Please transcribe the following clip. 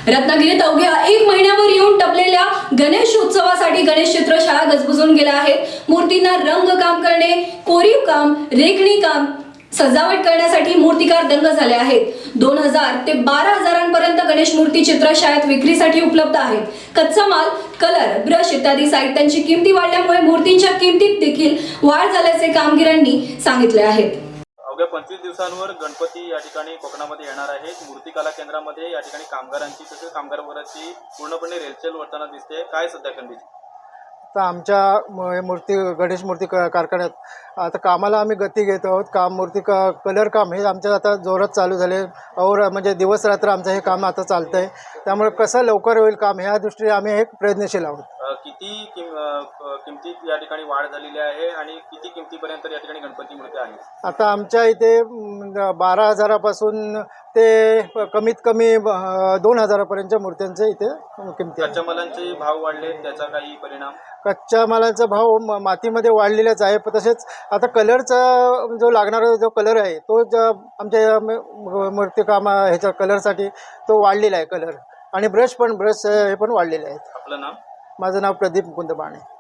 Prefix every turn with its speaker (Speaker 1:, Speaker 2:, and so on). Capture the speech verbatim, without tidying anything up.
Speaker 1: रत्नागिरीत अवघ्या एक महिन्यावर येऊन टपलेल्या गणेश उत्सवासाठी गणेश चित्रशाळा गजबजून गेल्या आहेत। मूर्तींना रंग काम करणे, कोरीव काम, रेखणी काम, सजावट करण्यासाठी मूर्तिकार दंग झाले आहेत। दोन हजार ते बारा हजारांपर्यंत गणेश मूर्ती चित्रशाळेत विक्रीसाठी उपलब्ध आहेत। कच्चा माल, कलर, ब्रश इत्यादी साहित्यांची किमती वाढल्यामुळे मूर्तींच्या किमतीत देखील वाढ झाल्याचे कामगारांनी सांगितले आहेत।
Speaker 2: अवघ्या पंचवीस दिवसांवर गणपती या ठिकाणी कोकणामध्ये येणार आहेत। मूर्ती कला केंद्रामध्ये या ठिकाणी कामगारांची तसेच कामगार वर्गाची पूर्णपणे रेलचेल होताना दिसते। काय सध्या खंडित
Speaker 3: तर आमच्या मूर्ती गणेश मूर्ती कारखान्यात आता कामाला आम्ही गती घेत आहोत। काम मूर्ती क कलर काम हे आमचं आता जोरात चालू झाले और म्हणजे दिवस रात्र आमचं हे काम आता चालतं आहे। त्यामुळे कसं लवकर होईल काम ह्या दृष्टीने आम्ही एक प्रयत्नशील आहोत।
Speaker 2: किती किम किमतीत या ठिकाणी वाढ झालेली आहे आणि किती किमतीपर्यंत या ठिकाणी गणपती मूर्ती आहे?
Speaker 3: आता आमच्या इथे बारा हजारापासून ते कमीत कमी दोन हजारापर्यंतच्या मूर्त्यांचे इथे किमती आहे।
Speaker 2: कच्च्या मालांचे भाव वाढले, त्याचा काही परिणाम?
Speaker 3: कच्च्या मालाचा भाव मातीमध्ये वाढलेलाच आहे। तसेच आता कलरचा जो लागणारा जो कलर आहे तो आमच्या मूर्तिकाम ह्याच्या कलरसाठी तो वाढलेला आहे कलर, आणि ब्रश पण ब्रश हे पण वाढलेले आहेत।
Speaker 2: आपलं नाव?
Speaker 3: माझं नाव प्रदीप मुकुंद बाणे।